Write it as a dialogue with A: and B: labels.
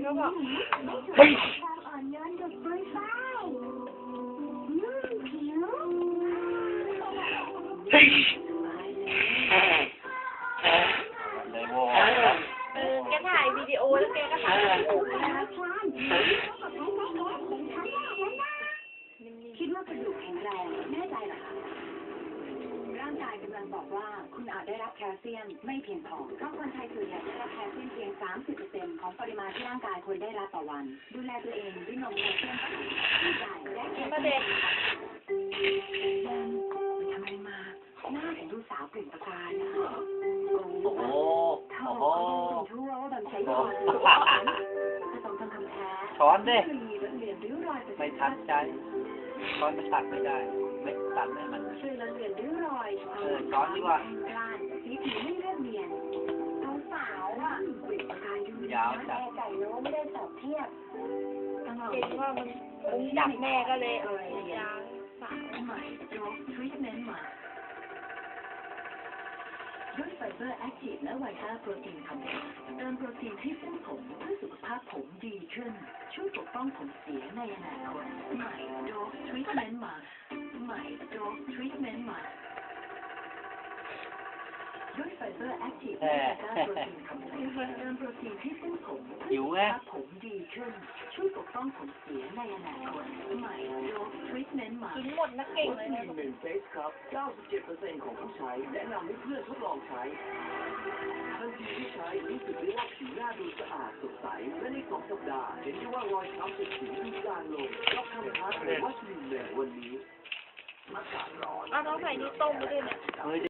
A: ก็บอก
B: เฮ้ย
C: ความอ่อนโยนดุจปุยฝ้ายผิว
B: เฮ้ย
D: เลยโว้
A: แกถ่ายวิดีโอแล้วแกก็ถ่ายรูปนะ
C: คิดว่ากระดูกแข็งแรงแน่ใจเหรอคะร่างกายกำลังบอกว่าคุณอาจได้รับแคลเซียมไม่เพียงพอเพราะคนไทยส่วนใหญ่ได้รับแคลเซียมเพียง 30% ของปริมาณที่ร่างกายควรได้รับต่อวัน ดูแลตัวเองด้วยนมแคลเซียมสูงที่ใหญ่และแคล
A: ประ
C: เซี
A: เด็
C: ย
A: น
C: มทำอะไรมาหน้าถึงดูสาวเปล่งประกายอะ
D: โอ้โห
C: เธอ
D: โอ้โห
C: เขาต้องทั่วว่าแบบใช้ยาผสมทองคำแท้
D: ช้อนดิ
C: เรียนริ้วรอย
D: ไม่ทันใจช้อนมันตัดไม่ได้ ไม่ตัดให้มัน
C: ช่วยลดเลือนริ้วรอย
D: ช้อนดีกว่า
C: กล้านสีผิวไม่เรียบเนียนสาวอ่ะเปล่งประกายดู
D: ยาวจัด
C: แม่ไก่โน้ไม่ได้สอบเทียบ
A: เห็นว่ามันจับแม่ก็เลยยางสาว
C: ใหม่โจ๊กทรีทเมนต์ใหม่ด้วยไฟเบอร์แอคทีฟและไวต้าโปรตีนคอมเพล็กซ์เติมโปรตีนให้เส้นผมเพื่อสุขภาพผมดีขึ้น ช่วยปกป้องผมเสียในอนาคตใหม่โจ๊กทรีทเมนต์ใหม่ใหม่โจ๊กทรีทเมนต์ใหม่ด้วยไฟเบอร์แอคทีฟและไวต้าโปรตีนคอมเพล็กซ์เติมโปรตีนให้เส้นผมเพื่อ
D: หิว
C: สุข
D: ไง
C: ภาพผมดีขึ้น ช่วยปกป้องผมเสียในอนาคตใหม่โจ๊กทรีทเมนต์ใหม่
A: กินหมดนะเก่งเลยนะ
B: หนึ่งเฟสครับ 97% ของผู้ใช้แนะนำให้เพื่อนทดลองใช้ทันทีที่ใช้รู้สึกได้ว่าผิวหน้าดูสะอาดสดใส และใน2 สัปดาห์เห็นได้ว่ารอยช้ำติดผิวดูจางลงรับคำท้าเลยว่าสลิมเลยวันนี้อากาศร้อน
A: เอาน้องใส่นี่ต้มไปด้วยเนี่ย
D: เฮ้ย